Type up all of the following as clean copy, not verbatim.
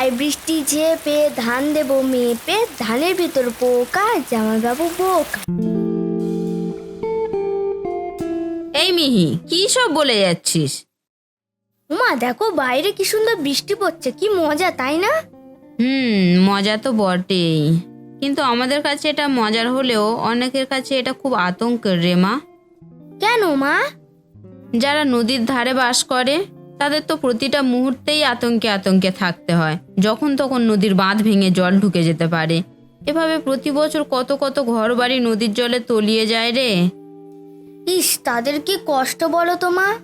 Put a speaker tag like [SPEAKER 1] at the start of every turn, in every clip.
[SPEAKER 1] তাই বৃষ্টি ঝেপে ধান দেবো মেপে, ধানের ভিতর পোকা জামা বাবু বোকা।
[SPEAKER 2] এই মিহি, কি সব বলে যাচ্ছিস?
[SPEAKER 1] মা দেখো বাইরে কি সুন্দর বৃষ্টি পড়ছে, কি মজা তাই না?
[SPEAKER 2] মজা তো বটেই, কিন্তু আমাদের কাছে এটা মজার হলেও অনেকের কাছে এটা খুব আতঙ্কের রে মা।
[SPEAKER 1] কেন মা?
[SPEAKER 2] যারা নদীর ধারে বাস করে তাদের তো প্রতিটা মুহূর্তেই আতঙ্কে আতঙ্কে থাকতে হয়। যখন তখন নদীর বাঁধ ভেঙে জল ঢুকে যেতে পারে। এভাবে প্রতি বছর কত কত ঘর বাড়ি নদীর জলে তলিয়ে যায় রে।
[SPEAKER 1] ইস, তাদের কি কষ্ট বলো তো মা।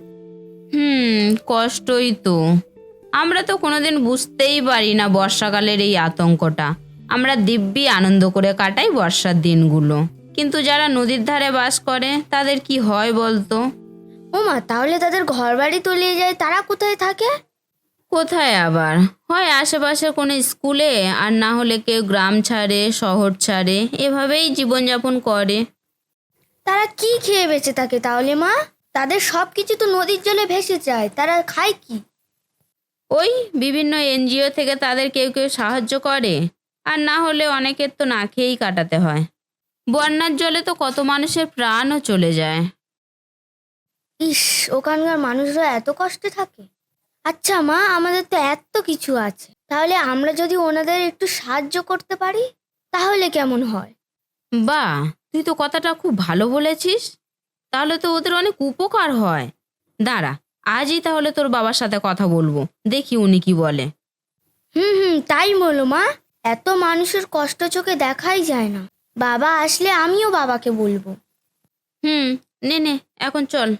[SPEAKER 2] কষ্টই তো। আমরা তো কোনোদিন বুঝতেই পারি না বর্ষাকালের এই আতঙ্কটা। আমরা দিব্যি আনন্দ করে কাটাই বর্ষার দিনগুলো, কিন্তু যারা নদীর ধারে বাস করে তাদের কি হয় বলতো?
[SPEAKER 1] ও মা, তাহলে তাদের ঘর বাড়ি তলিয়ে যায়, তারা কোথায় থাকে?
[SPEAKER 2] কোথায় আবার, হয় আশেপাশের কোনো স্কুলে, আর না হলে কেউ গ্রাম ছাড়ে, শহর ছাড়ে, এভাবেই জীবনযাপন করে।
[SPEAKER 1] তারা কি খেয়ে বেঁচে থাকে তাহলে মা? তাদের সব কিছু তো নদীর জলে ভেসে যায়, তারা খায় কি?
[SPEAKER 2] ওই বিভিন্ন এনজিও থেকে তাদের কেউ কেউ সাহায্য করে, আর না হলে অনেকের তো না খেয়েই কাটাতে হয়। বন্যার জলে তো কত মানুষের প্রাণও চলে যায়।
[SPEAKER 1] ইস, ওখানকার মানুষরা এত কষ্টে থাকে। আচ্ছা মা, আমাদের তো এত কিছু আছে, তাহলে আমরা যদি ওনাদের একটু সাহায্য করতে পারি তাহলে কেমন হয়?
[SPEAKER 2] বাহ, তুই তো কথাটা খুব ভালো বলেছিস। তাহলে তো ওদের অনেক উপকার হয়। দাঁড়া, আজই তাহলে তোর বাবার সাথে কথা বলবো, দেখি উনি কি বলে।
[SPEAKER 1] তাই বলো মা, এত মানুষের কষ্ট চোখে দেখাই যায় না। বাবা আসলে আমিও বাবাকে বলবো।
[SPEAKER 2] নে নে, এখন চল।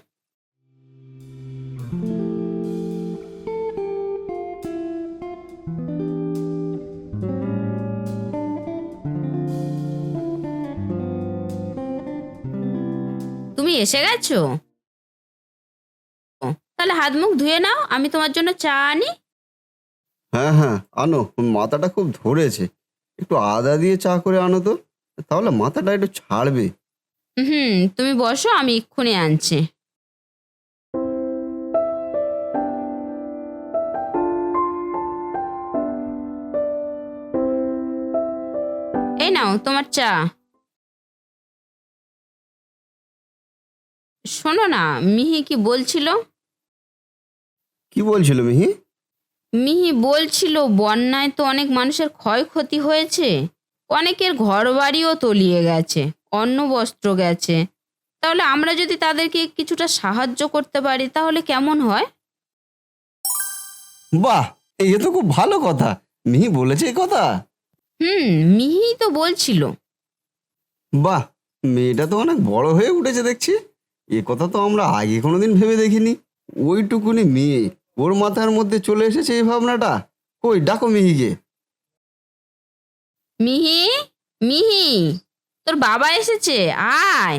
[SPEAKER 2] তুমি এসে গেছো? তাহলে হাত মুখ ধুয়ে নাও, আমি তোমার জন্য চা আনি।
[SPEAKER 3] হ্যাঁ হ্যাঁ, আনো। মাথাটা খুব ধরেছে, একটু আদা দিয়ে চা করে আনো তো, তাহলে মাথাটা একটু ছাড়বে।
[SPEAKER 2] তুমি বসো, আমি এক্ষুনি আনছি। এই নাও তোমার চা। শোনো না, মিহি কি বলছিল?
[SPEAKER 3] কি বলছিল মিহি?
[SPEAKER 2] মিহি বলছিল বন্যায় তো অনেক মানুষের ক্ষয়ক্ষতি হয়েছে, অনেকের ঘর বাড়িও তলিয়ে গেছে, অন্ন বস্ত্র গেছে। তাহলে আমরা যদি তাদেরকে কিছুটা সাহায্য করতে পারি তাহলে কেমন হয়?
[SPEAKER 3] বাহ, এই তো খুব ভালো কথা। মিহি বলেছে এই কথা?
[SPEAKER 2] মিহি তো বলছিল।
[SPEAKER 3] বাহ, মেয়েটা তো অনেক বড় হয়ে উঠেছে দেখছি। এ কথা তো আমরা আগে কোনোদিন ভেবে দেখিনি। ওইটুকুনি মেয়ে, ওর মাথার মধ্যে চলে এসেছে এই ভাবনাটা। কই, ডাকো মিহিকে।
[SPEAKER 2] মিহি, মিহি, তোর বাবা এসেছে, আয়।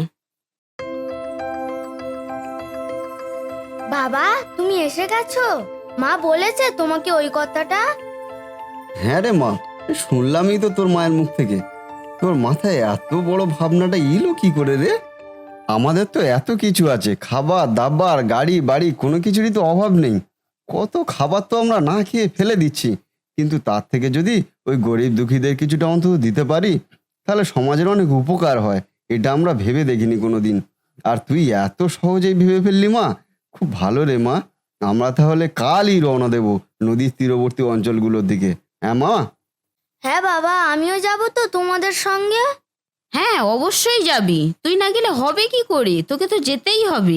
[SPEAKER 1] বাবা, তুমি এসে গেছো? মা বলেছে তোমাকে ওই কথাটা?
[SPEAKER 3] হ্যাঁ রে মা, শুনলামই তো তোর মায়ের মুখ থেকে। তোর মাথায় এত বড় ভাবনাটা এলো কি করে রে? আমাদের তো এত কিছু আছে, খাবার দাবার, গাড়ি বাড়ি, কোনো কিছুরই তো অভাব নেই। কত খাবার তো আমরা না খেয়ে ফেলে দিচ্ছি, কিন্তু তার থেকে যদি ওই গরিব দুঃখীদের কিছুটা অন্তত দিতে পারি তাহলে সমাজের অনেক উপকার হয়। এটা আমরা ভেবে দেখিনি কোনো দিন, আর তুই এত সহজেই ভেবে ফেললি মা। খুব ভালো রে মা। আমরা তাহলে কালই রওনা দেব নদীর তীরবর্তী অঞ্চলগুলোর দিকে। হ্যাঁ মা?
[SPEAKER 1] হ্যাঁ বাবা, আমিও যাব তো তোমাদের সঙ্গে।
[SPEAKER 2] হ্যাঁ, অবশ্যই যাবি, তুই না গেলে হবে কি করে, তোকে তো যেতেই হবে।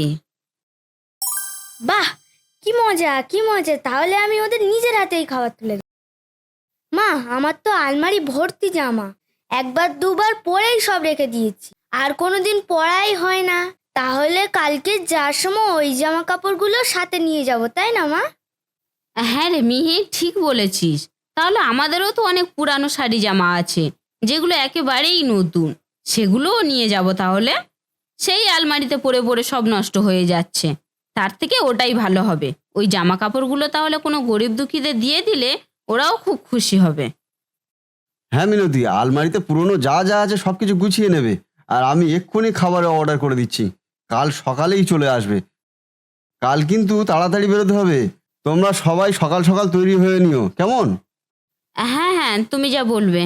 [SPEAKER 1] বাহ, কি মজা কি মজা, তাহলে আমি ওদের নিজের হাতেই খাবার তুলে দেব। মা, আমার তো আলমারি ভর্তি জামা, একবার দুবার পরেই সব রেখে দিয়েছি, আর কোনোদিন পরাই হয় না। তাহলে কালকে যাওয়ার সময় ওই জামা কাপড়গুলো সাথে নিয়ে যাব, তাই না মা?
[SPEAKER 2] হ্যাঁ রে মিহি, ঠিক বলেছিস। তাহলে আমাদেরও তো অনেক পুরানো শাড়ি জামা আছে যেগুলো একেবারেই নতুন, সেগুলোও নিয়ে যাব তাহলে। সেই আলমারিতে পরে পরে সব নষ্ট হয়ে যাচ্ছে, তার থেকে ওটাই ভালো হবে। ওই জামা কাপড়গুলো তাহলে কোনো গরিব দুঃখীদের দিয়ে দিলে ওরাও খুব খুশি হবে।
[SPEAKER 3] হ্যাঁ মিনতি, আলমারিতে পুরনো যা যা আছে সব কিছু গুছিয়ে নেবে, আর আমি এক্ষুনি খাবারের অর্ডার করে দিচ্ছি। কাল সকালেই চলে আসবে। কাল কিন্তু তাড়াতাড়ি বেরোতে হবে। তোমরা সবাই সকাল সকাল তৈরি হয়ে নিও, কেমন?
[SPEAKER 2] হ্যাঁ হ্যাঁ, তুমি যা বলবে।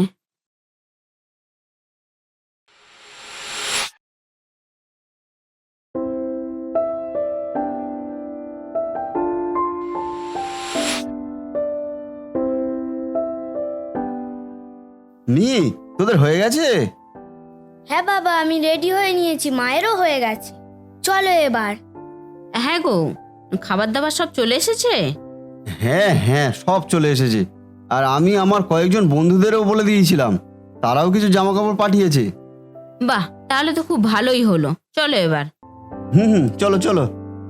[SPEAKER 3] মিহি, তোদের হয়ে গেছে?
[SPEAKER 1] হ্যাঁ বাবা, আমি রেডি হয়ে নিয়েছি, মায়েরও হয়ে গেছে। চলো এবার।
[SPEAKER 2] হ্যাঁ গো, খাবার দাবার সব চলে এসেছে?
[SPEAKER 3] হ্যাঁ হ্যাঁ, সব চলে এসেছে। আর আমি আমার কয়েকজন বন্ধুদেরও বলে দিয়েছিলাম, তারাও কিছু জামা কাপড় পাঠিয়েছে।
[SPEAKER 2] বাহ, তাহলে তো খুব ভালোই হলো। চলো এবার।
[SPEAKER 3] হুম হুম, চলো চলো।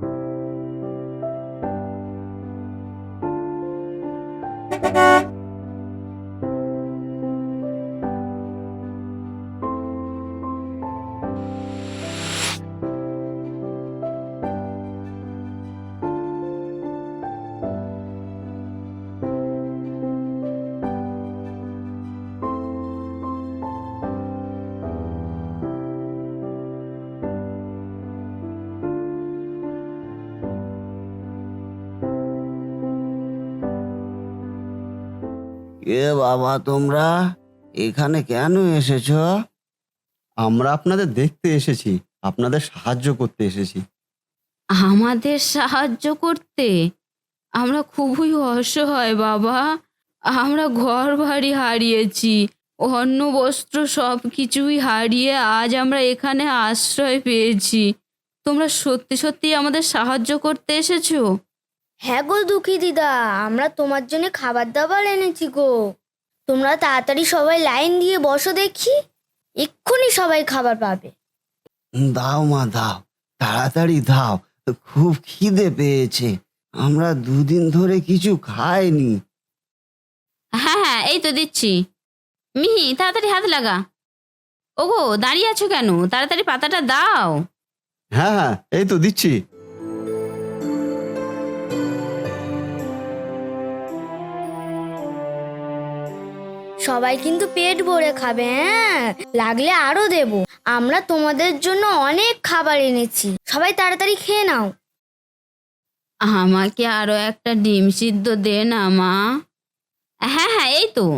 [SPEAKER 3] এ বাবা, তোমরা এখানে কেন এসেছো? আমরা আপনাদের দেখতে এসেছি, আপনাদের সাহায্য করতে এসেছি।
[SPEAKER 2] আমাদের সাহায্য করতে? আমরা খুবই অসহায় বাবা। আমরা ঘর বাড়ি হারিয়েছি, অন্ন বস্ত্র সব কিছুই হারিয়ে আজ আমরা এখানে আশ্রয় পেয়েছি। তোমরা সত্যি সত্যি আমাদের সাহায্য করতে এসেছো?
[SPEAKER 1] হ্যাঁ গো দুঃখী দিদা, আমরা তোমার জন্য খাবার দাবার এনেছি গো। তোমরা তাড়াতাড়ি সবাই লাইন দিয়ে বসো দেখি, এক্ষুনি সবাই খাবার পাবে।
[SPEAKER 3] দাও মা, দাও, তাড়াতাড়ি দাও, খুব খিদে পেয়েছে। আমরা দুদিন ধরে কিছু খাইনি।
[SPEAKER 2] হ্যাঁ হ্যাঁ, এই তো দিচ্ছি। মিহি, তাড়াতাড়ি হাত লাগা। ওগো, দাঁড়িয়ে আছো কেন? তাড়াতাড়ি পাতাটা দাও।
[SPEAKER 3] হ্যাঁ হ্যাঁ, এই তো দিচ্ছি।
[SPEAKER 1] সবাই কিন্তু পেট ভরে খাবে, হ্যাঁ, লাগলে আরো দেব। আমরা তোমাদের জন্য অনেক খাবার এনেছি, সবাই তাড়াতাড়ি খেয়ে নাও।
[SPEAKER 2] আমাকে আরো একটা ডিম সিদ্ধ দে না মা। হ্যাঁ হ্যাঁ, এই তো।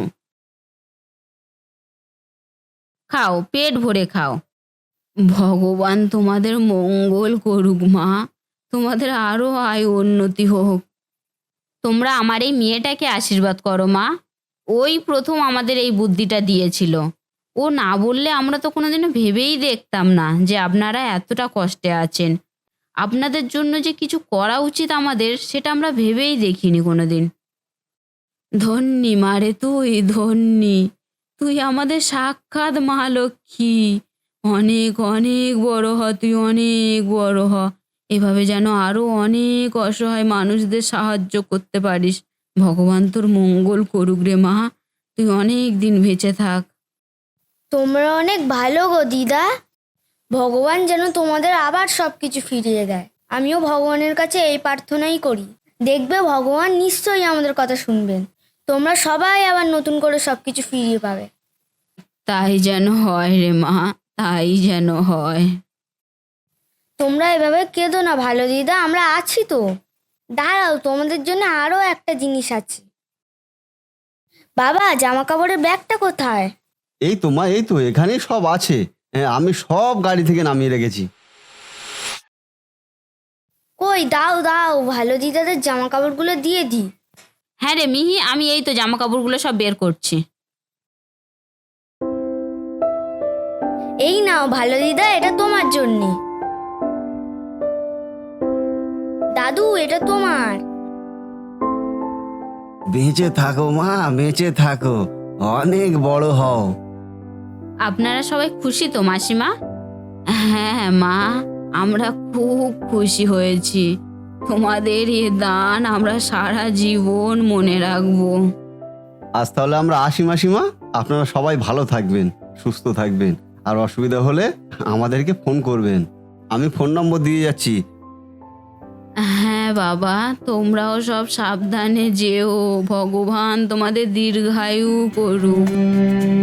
[SPEAKER 2] খাও, পেট ভরে খাও। ভগবান তোমাদের মঙ্গল করুক মা, তোমাদের আরো আয় উন্নতি হোক। তোমরা আমার এই মেয়েটাকে আশীর্বাদ করো মা। ওই প্রথম আমাদের এই বুদ্ধিটা দিয়েছিল। ও না বললে আমরা তো কোনোদিনও ভেবেই দেখতাম না যে আপনারা এতটা কষ্টে আছেন। আপনাদের জন্য যে কিছু করা উচিত আমাদের, সেটা আমরা ভেবেই দেখিনি কোনোদিন। ধন্যি মারে তুই, ধন্যি। তুই আমাদের সাক্ষাৎ মা লক্ষ্মী। অনেক অনেক বড় হ, তুই অনেক বড় হ। এভাবে যেন আরো অনেক অসহায় মানুষদের সাহায্য করতে পারিস। ভগবান তোর মঙ্গল করুক রে মা। তুই অনেক দিন বেঁচে থাক।
[SPEAKER 1] তোমরা অনেক ভালো গো দিদা, ভগবান যেন তোমাদের আবার সবকিছু ফিরিয়ে দেয়। আমিও ভগবানের কাছে এই প্রার্থনাই করি, দেখবে ভগবান নিশ্চয়ই আমাদের কথা শুনবেন। তোমরা সবাই আবার নতুন করে সবকিছু ফিরিয়ে পাবে।
[SPEAKER 2] তাই যেন হয় রে মা, তাই যেন হয়।
[SPEAKER 1] তোমরা এভাবে কেঁদো না ভালো দিদা, আমরা আছি তো। দাঁড়াও, তোমাদের জন্য আরো একটা জিনিস আছে। বাবা, জামা কাপড়ের ব্যাগটা কোথায়?
[SPEAKER 3] এই তো মা, এই তো এখানেই সব আছে। হ্যাঁ, আমি সব গাড়ি থেকে নামিয়ে রেখেছি।
[SPEAKER 1] কই, দাও দাও, ভালো দিদাদের জামা কাপড়গুলো দিয়ে দিই।
[SPEAKER 2] হ্যাঁ রে মিহি, আমি এই তো জামা কাপড়গুলো সব বের করছি।
[SPEAKER 1] এই নাও ভালো দিদা, এটা তোমার জন্যে। দাদু, এটা তোমার।
[SPEAKER 3] বেঁচে থাকো মা, বেঁচে থাকো, অনেক বড় হও।
[SPEAKER 2] আপনারা সবাই খুশি তো মাসিমা? হ্যাঁ মা, আমরা খুব খুশি হয়েছি। তোমাদের এ দান আমরা সারা জীবন মনে রাখবো।
[SPEAKER 3] আজ তাহলে আমরা আসি মাসিমা। আপনারা সবাই ভালো থাকবেন, সুস্থ থাকবেন। আর অসুবিধা হলে আমাদেরকে ফোন করবেন, আমি ফোন নম্বর দিয়ে যাচ্ছি।
[SPEAKER 2] হ্যাঁ বাবা, তোমরাও সব সাবধানে যেও। ভগবান তোমাদের দীর্ঘায়ু করুক।